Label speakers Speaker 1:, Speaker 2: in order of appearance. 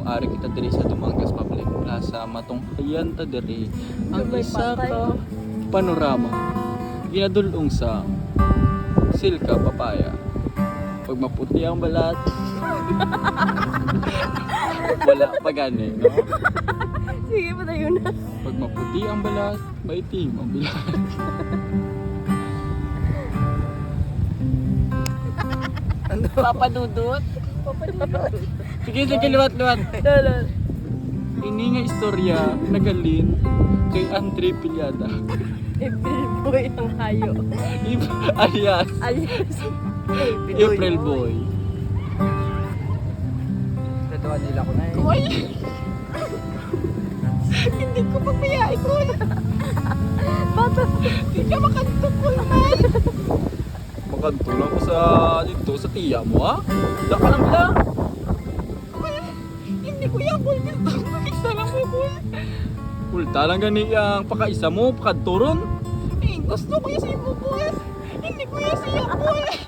Speaker 1: Ari kita diri sa Dumangas Public Plaza matunghayan ta diri ang isa ka panorama ginadulong sa Silka Papaya. Pag maputi ang balat wala pa gani, no?
Speaker 2: Sige, patayo na.
Speaker 1: Pag maputi ang balat, maitim ang bilat.
Speaker 2: Papadudot.
Speaker 1: Sige, sige, liwat-liwat. Ini nga istorya nagalin kay Andre Piliada.
Speaker 2: April boy ang hayo.
Speaker 1: Alias
Speaker 2: Alias.
Speaker 1: April Boy.
Speaker 3: Tatuan nila ko na eh.
Speaker 2: Uy! Hindi ko papayain ko. Bata, hindi ka makantok ko man.
Speaker 1: Makantulong ko sa dito sa tiya mo, ha? Daka lang bila.
Speaker 2: Hindi ko yan kung gusto ko. Isa lang mo ko.
Speaker 1: Kulta lang gani ang pakaisa mo, pakadturon.
Speaker 2: Eh, gusto ko yan sa ibo ko. Hindi ko yan siya ko.